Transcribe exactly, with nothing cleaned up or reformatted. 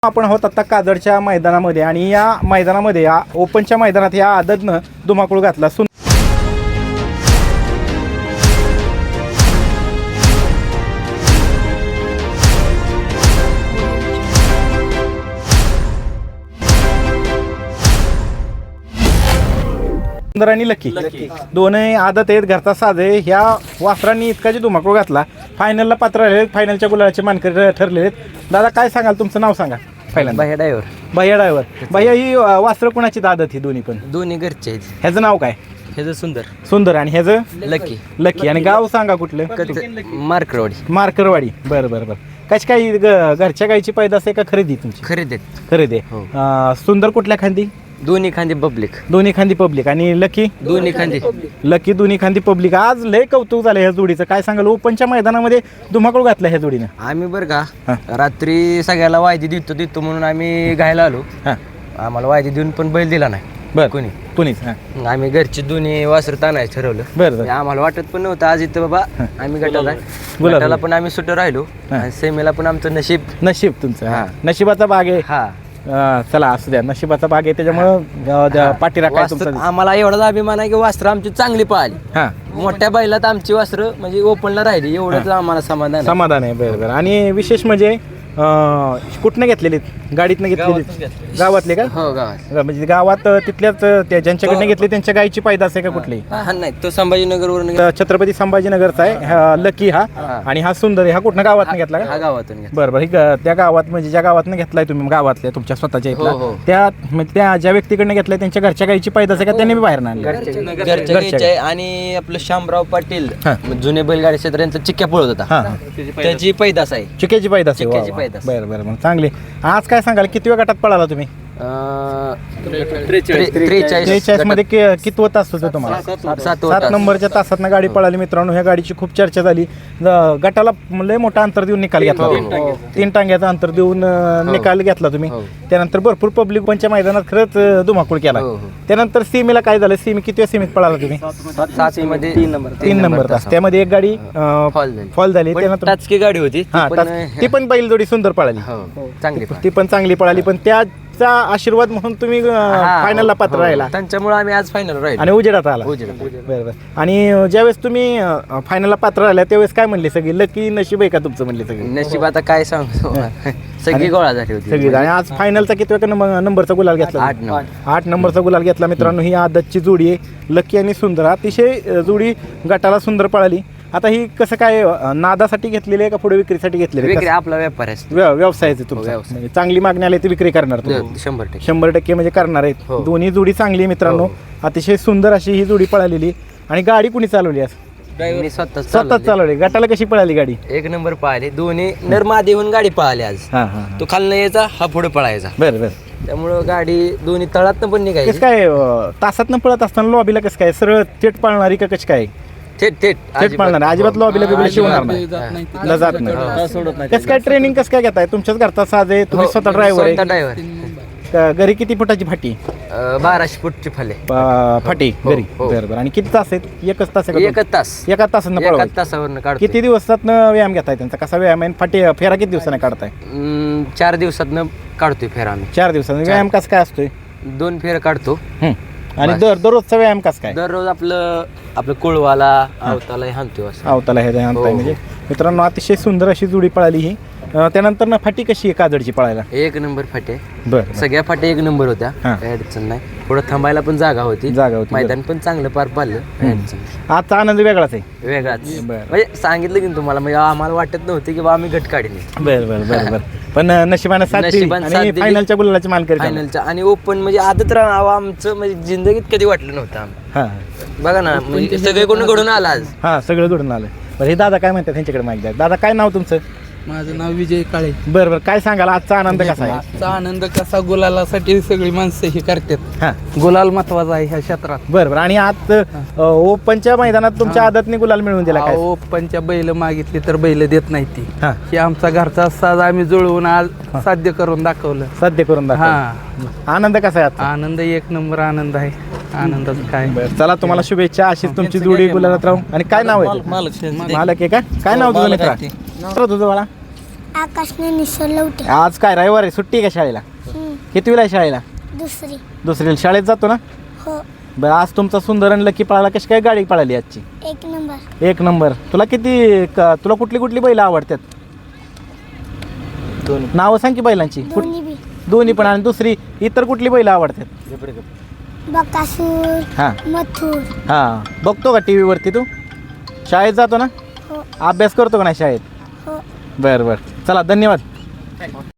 आपण आहोत आता काजडच्या मैदानामध्ये आणि या मैदानामध्ये या ओपनच्या मैदानात या आदतनं धुमाकूळ घातला. सुंदर आणि लकी दोनही आदत आहेत, घरचा साज आहे. ह्या वासरांनी इतका जे धुमाकूळ घातला, फायनलला पात्र राहिले, फायनलच्या गुलालाचे मानकरी ठरलेले आहेत. दादा काय सांगाल, तुमचं नाव सांगा. पहिल्यांदा भैया ड्रायव्हर. भैया ड्रायव्हर. भैया ही वासरं कुणाची आदत ही दोन्ही पण? दोन्ही घरचे आहेत. ह्याचं नाव काय? ह्याचं सुंदर. सुंदर. आणि ह्याचं लकी. लकी. आणि गाव सांगा कुठलं? मार्करवाडी. मार्करवाडी. बरं बरं बरं. कशी काही घरच्या गायची पैदास आहे का खरेदी तुमची? खरेदी. खरेदी. सुंदर कुठल्या खांदी? दोन्ही खांदी पब्लिक. दोन्ही खांदी पब्लिक. आणि लकी? दोन्ही खांदी लकी दोन्ही खांदी पब्लिक. आज लय कौतुक झालं ह्या जोडीचं. काय सांगाल, ओपनच्या मैदानामध्ये धुमाकूळ घातला ह्या जोडीनं? आम्ही बरं का रात्री सगळ्याला वायदी देतो देतो म्हणून आम्ही घायला आलो. हां. आम्हाला वायदी देऊन पण बैल दिला नाही. बरं. कोणी कोणीच. हां. आम्ही घरची दोन्ही वासरं ताणायचं ठरवलं. बरं बरं. आम्हाला वाटत पण नव्हतं आज इथं बाबा आम्ही गटाला गटाला पण आम्ही सुट्ट राहिलो आणि सेमीला पण आमचं नशीब. नशीब तुमचं. हां. नशिबाचा भाग आहे. हा चला असू द्या, नशिबाचा भाग आहे त्याच्यामुळं पाठीरा काय तुमचा. आम्हाला एवढाच अभिमान आहे की वासरं आमची चांगली पाहिली. हां. मोठ्या बैलात आमची वासरं म्हणजे ओपनला राहिली एवढंच आम्हाला समाधान आहे. समाधान आहे. बरं बरं. आणि विशेष म्हणजे कुठनं घेतलेले? गाडीतनं घेतलेले? गावातले का? हो गावात. म्हणजे गावात तिथल्याच त्या ज्यांच्याकडनं घेतले त्यांच्या गायची पैदास आहे का कुठली? हा नाही, तो संभाजीनगर वरून छत्रपती संभाजीनगरचा आहे हा लकी. हा. आणि हा सुंदर आहे. हा कुठनं गावातनं घेतला का? हा गावातून. बरं बरं. ही त्या गावात म्हणजे ज्या गावातनं घेतलाय तुम्ही, गावातल्या तुमच्या स्वतःच्या इथला, त्या त्या ज्या व्यक्तीकडनं घेतलाय त्यांच्या घरच्या गायची पैदास आहे का त्यांनी बी बाहेर आणली? घरच्या. आणि आपलं शामराव पाटील जुने बैलगाडी क्षेत्रांचा चिक्क्या पळत होता, त्याची पैदास आहे. चिक्याची पैदास आहे. चिक्क्याची पैदास. बरं बरं. मग चांगली. आज काय सांगाल, किती वेळ गटात पळाला तुम्ही? त्रेचाळीस मध्ये कितवं तास होतं तुम्हाला? सात नंबरच्या तासात गाडी पळाली मित्रांनो. ह्या गाडीची खूप चर्चा झाली. गटाला लय मोठा अंतर देऊन निकाल घेतला. तीन टांग्याचा अंतर देऊन निकाल घेतला तुम्ही. त्यानंतर भरपूर पब्लिक पंच्या मैदानात खरंच धुमाकूळ केला. त्यानंतर सीमेला काय झालं? सीमी किती सीमेत पळाला तुम्ही? तीन नंबर तास. त्यामध्ये एक गाडी फॉल झाली. त्यानंतर टाचकी गाडी होती ती पण बैलजोडी सुंदर पळाली. चांगली. ती पण चांगली पळाली. पण त्याचा आशीर्वाद म्हणून तुम्ही फायनलला पात्र राहिला. त्यांच्यामुळे आम्ही आज फायनल राहिलो आणि उजेडात आला. बरोबर. आणि ज्यावेळेस तुम्ही फायनलला पात्र राहिला त्यावेळेस काय म्हणले सगळी? लकी नशीब आहे का तुमचं म्हणले सगळी? नशीब आता काय सांगतो, सगळी गोळा झाली होती सगळी. आणि आज फायनलचा किती नंबरचा गुलाल घेतला? आठ नंबर. आठ नंबरचा गुलाल घेतला मित्रांनो. ही आदतची जोडी आहे लकी आणि सुंदर. अतिशय जोडी गटाला सुंदर पळाली. आता ही कसं काय, नादासाठी घेतलेली आहे का पुढे विक्रीसाठी घेतलेली आहे? आपला व्यापार आहे, व्यवसायाचे तुमचा. म्हणजे चांगली मागणी आली ती विक्री करणार तुम्ही? शंभर टक्के शंभर टक्के म्हणजे करणार आहेत. दोन्ही जोडी चांगली आहे मित्रांनो. अतिशय सुंदर अशी ही जोडी पळालेली. आणि गाडी कुणी चालवली आज? स्वतः स्वतःच चालवली. गटाला कशी पळाली गाडी? एक नंबर पळाली. दोन्ही नरमादी होऊन गाडी पळाली आज. तो खालनं यायचा, हा पुढे पळायचा. बरं बरं. त्यामुळं गाडी दोन्ही तळात पण निघायची. कसं काय तासातनं पळत असताना लॉबीला कसं काय सरळ थेट पळणारी का कशी काय? थेट थेट थेट पळणार. अजिबात लॉबीला बिबीला शिवणार नाही, जात नाही. कसं काय ट्रेनिंग कसं काय घेताय? तुमच्याच घरचा साज आहे, तुम्ही स्वतः ड्रायव्हर आहे. ड्रायव्हर. घरी किती फुटाची फाटी? बाराशे फुटची फाले फाटी घरी. बरं बरं. आणि किती तास आहेत? एकच तास आहे? एकच तास. एका तासानं पळवा. तासावर काढतो. किती दिवसातनं व्यायाम घेताय त्यांचा? कसा व्यायाम आहे? फाटी फेरा किती दिवसाने काढताय? चार दिवसातनं काढतोय फेरा आम्ही. चार दिवसानं व्यायाम कसा काय असतोय? दोन फेर काढतो. आणि दर दररोजचा व्यायाम कसा काय? दररोज आपलं आपलं कुळवाला आवताला हाणतोय. आवताला हे हाणताय. म्हणजे मित्रांनो अतिशय सुंदर अशी जोडी पळाली ही. त्यानंतर ना फाटी कशी आहे काजडची पळायला? एक नंबर फाटे. बरं. सगळ्या फाटे एक नंबर होत्या, काही अडचण नाही. पुढे थांबायला पण जागा होती. जागा होती. मैदान पण चांगलं पार पाडलं. आजचा आनंद वेगळाच आहे. वेगळाच. म्हणजे सांगितलं की तुम्हाला, म्हणजे आम्हाला वाटत नव्हतं की बा आम्ही गट काढले. बरं बरं बरं बरं. पण नशिबानं साथ दिली आणि फायनलच्या गुलालाची मानकरी. फायनलच्या आणि ओपन म्हणजे आदत राहावं आमचं म्हणजे जिंदगीत कधी वाटलं नव्हतं आम्ही. हा बघा ना, म्हणजे सगळे कोण घडून आला आज. हा सगळं घडून आलं. बरं. हे दादा काय म्हणतात त्यांच्याकडे माहिती द्या. दादा काय नाव तुमचं? माझं नाव विजय काळे. बरं बरं. काय सांगाल आजचा आनंद कसा आहे? आजचा आनंद कसा, गुलालासाठी सगळी माणसं हे करतात. हा गुलाल महत्वाचा आहे ह्या क्षेत्रात. बरं बरं. आणि आज ओपनच्या मैदानात तुमच्या आदतने गुलाल मिळवून दिला काय? ओपनच्या बैल मागितली तर बैल देत नाही ती. हा. हे आमचा घरचा साज आम्ही जुळवून आज साध्य करून दाखवलं. साध्य करून दाखवलं. हा. आनंद कसा आहे आजचा? आनंद एक नंबर आनंद आहे. आनंदाचं काय. बरं. चला तुम्हाला शुभेच्छा. अशीच तुमची जोडी गुलालात राहू. आणि काय नाव आहे? मालक आहे का? काय नाव तुझं मित्रा? तुझं बाळा आकाशने निसरलवटे. आज काय रविवार आहे, सुट्टी आहे का शाळेला? कितवीला आहे शाळेला? दुसरी. दुसरीला. शाळेत जातो ना? हो. बरं, आज तुमचा सुंदर आणि लकी पळाला. कशी काय गाडी पळाली आजची? एक नंबर. एक नंबर. तुला किती क- तुला कुठली कुठली बैल आवडतात? दोन्ही. नावं सांग की बैलांची. कुठ- दोन्ही बी. दोन्ही पण. आणि दुसरी इतर कुठली बैल आवडतात? बकासूर. हां मथुर. हां. बघतो का टी व्हीवरती तू? शाळेत जातो ना? हो. अभ्यास करतो का नाही शाळेत? हो. बरं बरं, चला धन्यवाद.